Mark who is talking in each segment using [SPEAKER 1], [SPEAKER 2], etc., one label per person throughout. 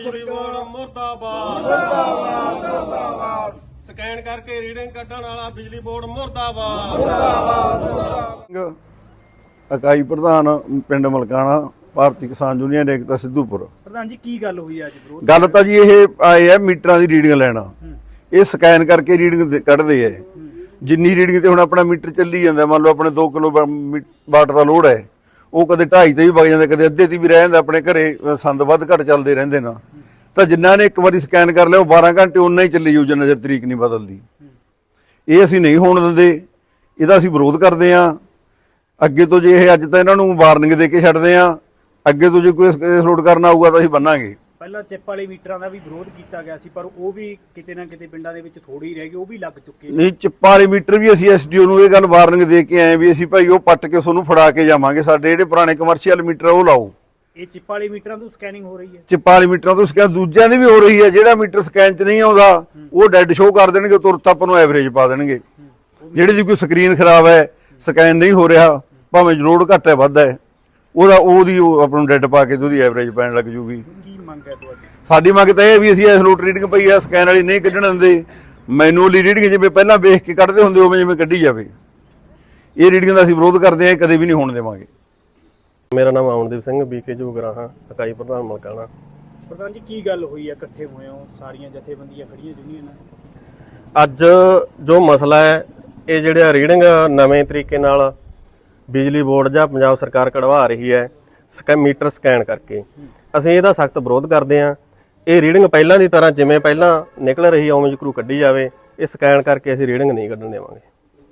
[SPEAKER 1] ਬਿਜਲੀ ਬੋਰਡ ਮੁਰਦਾਬਾਦ ਮੁਰਦਾਬਾਦ ਮੁਰਦਾਬਾਦ। ਸਕੈਨ ਕਰਕੇ ਰੀਡਿੰਗ ਕੱਢਣ ਵਾਲਾ ਬਿਜਲੀ ਬੋਰਡ ਮੁਰਦਾਬਾਦ ਮੁਰਦਾਬਾਦ।
[SPEAKER 2] ਇਕਾਈ ਪ੍ਰਧਾਨ ਪਿੰਡ ਮਲਕਾਣਾ ਭਾਰਤੀ ਕਿਸਾਨ ਯੂਨੀਅਨ ਏਕਤਾ ਸਿੱਧੂਪੁਰ।
[SPEAKER 3] ਪ੍ਰਧਾਨ ਜੀ ਕੀ ਗੱਲ ਹੋਈ ਅੱਜ ਵਿਰੋਧ?
[SPEAKER 2] ਗੱਲ ਤਾਂ ਜੀ ਇਹ ਆਏ ਆ ਮੀਟਰਾਂ ਦੀ ਰੀਡਿੰਗ ਲੈਣਾ, ਇਹ ਸਕੈਨ ਕਰਕੇ ਰੀਡਿੰਗ ਕੱਢਦੇ ਆ। ਜਿੰਨੀ ਰੀਡਿੰਗ ਤੇ ਹੁਣ ਆਪਣਾ ਮੀਟਰ ਚੱਲੀ ਜਾਂਦਾ, ਮੰਨ ਲਓ ਆਪਣੇ 2 ਕਿਲੋ ਵਾਟ ਦਾ ਲੋਡ ਹੈ, ਉਹ ਕਦੇ 2.5 ਤੇ ਵੀ ਵਗ ਜਾਂਦਾ, ਕਦੇ ਅੱਧੇ ਤੇ ਵੀ ਰਹਿ ਜਾਂਦਾ। ਆਪਣੇ ਘਰੇ ਸੰਦ ਵੱਧ ਘੱਟ ਚੱਲਦੇ ਰਹਿੰਦੇ ਨਾ, ਤਾਂ ਜਿਨ੍ਹਾਂ ਨੇ ਇੱਕ ਵਾਰੀ ਸਕੈਨ ਕਰ ਲਿਆ ਉਹ 12 ਘੰਟੇ ਉਨਾ ਹੀ ਚੱਲੀ ਜਾਊ ਜਿੰਨਾ ਚਿਰ ਤਰੀਕ ਨਹੀਂ ਬਦਲਦੀ। ਇਹ ਅਸੀਂ ਨਹੀਂ ਹੋਣ ਦਿੰਦੇ, ਇਹਦਾ ਅਸੀਂ ਵਿਰੋਧ ਕਰਦੇ ਹਾਂ। ਅੱਗੇ ਤੋਂ ਜੇ ਇਹ ਅੱਜ ਤਾਂ ਇਹਨਾਂ ਨੂੰ ਵਾਰਨਿੰਗ ਦੇ ਕੇ ਛੱਡਦੇ ਹਾਂ, ਅੱਗੇ ਤੋਂ ਜੇ ਕੋਈ ਕੇਸ ਲੋਡ ਕਰਨਾ ਆਊਗਾ ਤਾਂ ਅਸੀਂ ਬੰਨਾਂਗੇ।
[SPEAKER 3] ਪਹਿਲਾਂ ਚਿੱਪ ਵਾਲੇ ਮੀਟਰਾਂ ਦਾ ਵੀ ਵਿਰੋਧ ਕੀਤਾ ਗਿਆ ਸੀ, ਪਰ ਉਹ ਵੀ ਕਿਤੇ ਨਾ ਕਿਤੇ ਪਿੰਡਾਂ ਦੇ ਵਿੱਚ ਥੋੜੀ ਰਹਿ ਗਈ, ਉਹ ਵੀ ਲੱਗ ਚੁੱਕੇ
[SPEAKER 2] ਨਹੀਂ। ਚਿੱਪਾਂ ਵਾਲੇ ਮੀਟਰ ਵੀ ਅਸੀਂ ਐਸਡੀਓ ਨੂੰ ਇਹ ਗੱਲ ਵਾਰਨਿੰਗ ਦੇ ਕੇ ਆਏ ਵੀ ਅਸੀਂ ਭਾਈ ਉਹ ਪੱਟ ਕੇ ਤੁਹਾਨੂੰ ਫੜਾ ਕੇ ਜਾਵਾਂਗੇ। ਸਾਡੇ ਜਿਹੜੇ ਪੁਰਾਣੇ ਕਮਰਸ਼ੀਅਲ ਮੀਟਰ ਉਹ ਲਾਓ।
[SPEAKER 3] ਇਹ ਚਿੱਪ ਵਾਲੇ ਮੀਟਰਾਂ ਤੋਂ ਸਕੈਨਿੰਗ ਹੋ ਰਹੀ ਹੈ,
[SPEAKER 2] ਚਿੱਪਾਂ ਵਾਲੇ ਮੀਟਰਾਂ ਤੋਂ ਸਕੈਨ ਦੂਜਿਆਂ ਦੀ ਵੀ ਹੋ ਰਹੀ ਹੈ। ਜਿਹੜਾ ਮੀਟਰ ਸਕੈਨ 'ਚ ਨਹੀਂ ਆਉਂਦਾ ਉਹ ਡੈਡ ਸ਼ੋਅ ਕਰ ਦੇਣਗੇ, ਤੁਰਤ ਆਪਾਂ ਨੂੰ ਐਵਰੇਜ ਪਾ ਦੇਣਗੇ। ਜਿਹੜੀ ਦੀ ਕੋਈ ਸਕਰੀਨ ਖਰਾਬ ਹੈ, ਸਕੈਨ ਨਹੀਂ ਹੋ ਰਿਹਾ, ਭਾਵੇਂ ਲੋਡ ਘੱਟ ਹੈ ਵੱਧ ਹੈ, ਉਹਦੀ ਆਪਾਂ ਨੂੰ ਡੈਡ ਪਾ ਕੇ ਤੇ ਉਹਦੀ ਐਵਰੇਜ ਪੈਣ ਲੱਗ ਜੂਗੀ।
[SPEAKER 3] ਕੀ ਮੰਗ ਹੈ ਤੁਹਾਡੀ?
[SPEAKER 2] ਸਾਡੀ ਮੰਗ ਤਾਂ ਇਹ ਵੀ ਅਸੀਂ ਇਸ ਲੋਟ ਰੀਡਿੰਗ ਪਈ ਆ ਸਕੈਨ ਵਾਲੀ ਨਹੀਂ ਕੱਢਣ ਦਿੰਦੇ, ਮੈਨੂਅਲੀ ਰੀਡਿੰਗ ਜਿਵੇਂ ਪਹਿਲਾਂ ਵੇਖ ਕੇ ਕੱਢਦੇ ਹੁੰਦੇ ਉਵੇਂ ਜਿਵੇਂ ਕੱਢੀ ਜਾਵੇ। ਇਹ ਰੀਡਿੰਗ ਦਾ ਅਸੀਂ ਵਿਰੋਧ ਕਰਦੇ ਹਾਂ, ਕਦੇ ਵੀ ਨਹੀਂ ਹੋਣ ਦੇਵਾਂਗੇ।
[SPEAKER 4] ਮੇਰਾ ਨਾਮ ਅਮਨਦੀਪ ਸਿੰਘ ਬੀਕੇ ਜੋਗਰਾਹਾਂ, ਇਕਾਈ ਪ੍ਰਧਾਨ ਮਲਕਾਣਾ।
[SPEAKER 3] ਪ੍ਰਧਾਨ ਜੀ ਕੀ ਗੱਲ ਹੋਈ ਹੈ, ਇਕੱਠੇ ਹੋਏ ਹੋ ਸਾਰੀਆਂ ਜਥੇਬੰਦੀਆਂ ਖੜੀਆਂ ਯੂਨੀਅਨਾਂ?
[SPEAKER 4] ਅੱਜ ਜੋ ਮਸਲਾ ਹੈ, ਇਹ ਜਿਹੜਾ ਰੀਡਿੰਗ ਨਵੇਂ ਤਰੀਕੇ ਨਾਲ ਬਿਜਲੀ ਬੋਰਡ ਜਾਂ ਪੰਜਾਬ ਸਰਕਾਰ ਕਢਵਾ ਰਹੀ ਹੈ ਮੀਟਰ ਸਕੈਨ ਕਰਕੇ, ਅਸੀਂ ਇਹਦਾ ਸਖਤ ਵਿਰੋਧ ਕਰਦੇ ਹਾਂ। ਇਹ ਰੀਡਿੰਗ ਪਹਿਲਾਂ ਦੀ ਤਰ੍ਹਾਂ ਜਿਵੇਂ ਪਹਿਲਾਂ ਨਿਕਲ ਰਹੀ ਉਵੇਂ ਜਕਰੂ ਕੱਢੀ ਜਾਵੇ। ਇਹ ਸਕੈਨ ਕਰਕੇ ਅਸੀਂ ਰੀਡਿੰਗ ਨਹੀਂ ਕੱਢਣ ਦੇਵਾਂਗੇ।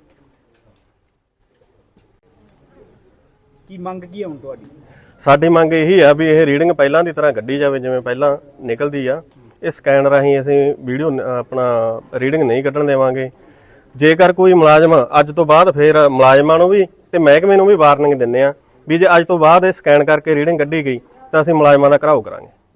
[SPEAKER 3] ਕੀ ਮੰਗ ਕੀ ਹੈ ਹੁਣ ਤੁਹਾਡੀ?
[SPEAKER 4] ਸਾਡੀ ਮੰਗ ਇਹੀ ਆ ਵੀ ਇਹ ਰੀਡਿੰਗ ਪਹਿਲਾਂ ਦੀ ਤਰ੍ਹਾਂ ਕੱਢੀ ਜਾਵੇ ਜਿਵੇਂ ਪਹਿਲਾਂ ਨਿਕਲਦੀ ਆ। ਇਹ ਸਕੈਨ ਰਾਹੀਂ ਅਸੀਂ ਵੀਡੀਓ ਆਪਣਾ ਰੀਡਿੰਗ ਨਹੀਂ ਕੱਢਣ ਦੇਵਾਂਗੇ। ਜੇਕਰ ਕੋਈ ਮੁਲਾਜ਼ਮ ਅੱਜ ਤੋਂ ਬਾਅਦ ਫਿਰ ਮੁਲਾਜ਼ਮਾਂ ਨੂੰ ਵੀ ਤੇ ਮਹਿਕਮੇ ਨੂੰ ਵੀ ਵਾਰਨਿੰਗ ਦਿੰਦੇ ਆ ਵੀ ਜੇ ਅੱਜ ਤੋਂ ਬਾਅਦ ਇਹ ਸਕੈਨ ਕਰਕੇ ਰੀਡਿੰਗ ਕੱਢੀ ਗਈ ਤਾਂ ਅਸੀਂ ਮੁਲਾਜ਼ਮਾਂ ਦਾ ਘਿਰਾਓ ਕਰਾਂਗੇ।